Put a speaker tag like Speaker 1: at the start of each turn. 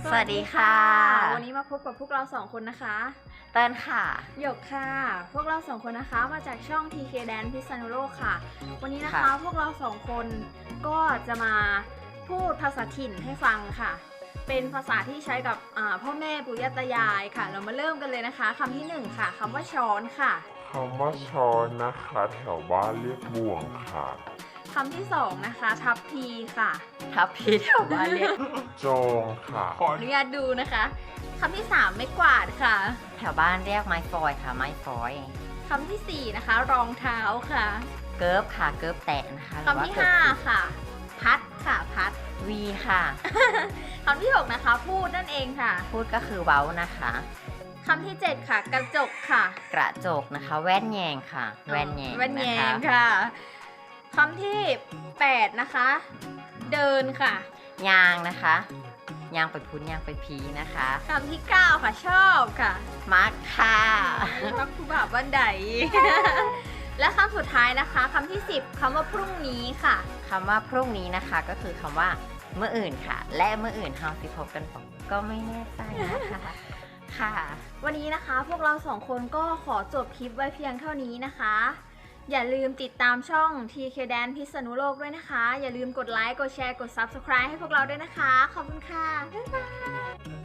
Speaker 1: สวัสดีค่ะ
Speaker 2: วันนี้มาพบกับพวกเราสองคนนะคะ
Speaker 1: เติ้ลค่ะ
Speaker 2: หยกค่ะพวกเราสองคนนะคะมาจากช่อง TK Dance พิษณุโลกค่ะวันนี้นะคะพวกเราสองคนก็จะมาพูดภาษาถิ่นให้ฟังค่ะเป็นภาษาที่ใช้กับพ่อแม่ปู่ย่าตายายค่ะเรามาเริ่มกันเลยนะคะคำที่หนึ่งค่ะคำว่าช้อนค่ะ
Speaker 3: คำว่าช้อนนะคะแถวบ้านเรียกบ่วงค่ะ
Speaker 2: คำที่สองนะคะทัพพีค่ะ
Speaker 1: ทับพีแถวบ้านเรียก
Speaker 3: โจงค่ะ
Speaker 2: ขออนุญาตดูนะคะคำที่สามไม้กวาดค่ะ
Speaker 1: แถวบ้านเรียกไม้ฟอยค่ะไม้ฟอย
Speaker 2: คำที่สี่นะคะรองเท้าค่ะ
Speaker 1: เกิร์ฟค่ะเกิร์ฟแตะนะคะ
Speaker 2: คำที่ห้าค่ะพัดค่ะพัด
Speaker 1: วีค่ะ
Speaker 2: คำที่หกนะคะพูดนั่นเองค่ะ
Speaker 1: พูดก็คือเว้านะคะ
Speaker 2: คำที่เจ็ดค่ะกระจกค่ะ
Speaker 1: กระจกนะคะแว่นแยงค่ะแว่นแยง
Speaker 2: แว่นแย
Speaker 1: นะคะ
Speaker 2: งค่ะคำที่แปดนะคะเดินค่ะ
Speaker 1: ยางนะคะยางไปพุ้นยางไปพีนะคะ
Speaker 2: คำที่เก้าค่ะชอบค่ะ
Speaker 1: มักค่ะ
Speaker 2: มักผู้บ่าวบ้านใด และคำสุดท้ายนะคะคำที่สิบคำว่าพรุ่งนี้ค่ะ
Speaker 1: คำว่าพรุ่งนี้นะคะก็คือคำว่าเมื่ออื่นค่ะและเมื่ออื่นเฮาสิพบกันก็ไม่แน่ใจนะคะค่ะ
Speaker 2: วันนี้นะคะพวกเราสองคนก็ขอจบคลิปไว้เพียงเท่านี้นะคะอย่าลืมติดตามช่อง TK Dance พิษณุโลกด้วยนะคะอย่าลืมกดไลค์กดแชร์กด Subscribe ให้พวกเราด้วยนะคะขอบคุณค่ะบ๊ายบาย